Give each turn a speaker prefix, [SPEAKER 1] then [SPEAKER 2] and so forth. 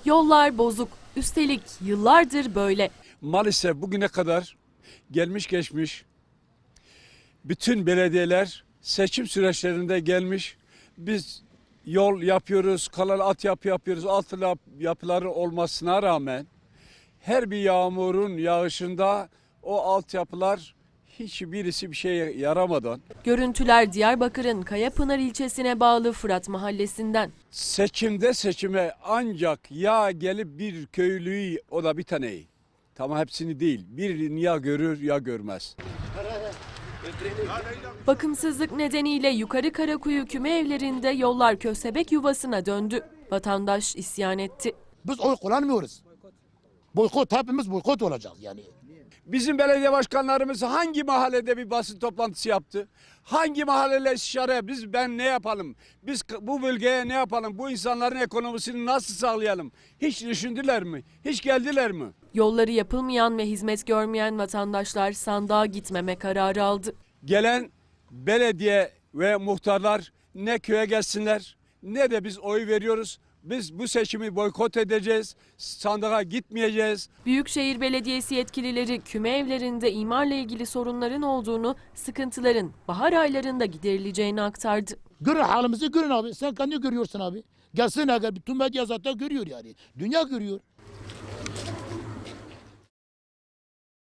[SPEAKER 1] Yollar bozuk. Üstelik yıllardır böyle.
[SPEAKER 2] Maalesef bugüne kadar gelmiş geçmiş bütün belediyeler seçim süreçlerinde gelmiş. Biz yol yapıyoruz, kanal altyapı yapıyoruz. Altyapıları olmasına rağmen her bir yağmurun yağışında o altyapılar hiçbirisi bir şeye yaramadan.
[SPEAKER 1] Görüntüler Diyarbakır'ın Kayapınar ilçesine bağlı Fırat Mahallesi'nden.
[SPEAKER 2] Seçime ancak ya gelip bir köylüyü, o da bir taneyi. Tamam, hepsini değil. Birini ya görür ya görmez.
[SPEAKER 1] Bakımsızlık nedeniyle Yukarı Karakuyu küme evlerinde yollar köstebek yuvasına döndü. Vatandaş isyan etti.
[SPEAKER 3] Biz oy kullanmıyoruz. Boykot, hepimiz boykot olacağız yani.
[SPEAKER 2] Bizim belediye başkanlarımız hangi mahallede bir basın toplantısı yaptı? Hangi mahalleyle istişare? Ben ne yapalım? Biz bu bölgeye ne yapalım? Bu insanların ekonomisini nasıl sağlayalım? Hiç düşündüler mi? Hiç geldiler mi?
[SPEAKER 1] Yolları yapılmayan ve hizmet görmeyen vatandaşlar sandığa gitmeme kararı aldı.
[SPEAKER 2] Gelen belediye ve muhtarlar ne köye gelsinler ne de biz oy veriyoruz. Biz bu seçimi boykot edeceğiz, sandığa gitmeyeceğiz.
[SPEAKER 1] Büyükşehir Belediyesi yetkilileri küme evlerinde imarla ilgili sorunların olduğunu, sıkıntıların bahar aylarında giderileceğini aktardı.
[SPEAKER 3] Görün halimizi, görün abi. Sen kendi görüyorsun abi. Gelsin, eğer bütün medya zaten görüyor yani. Dünya görüyor.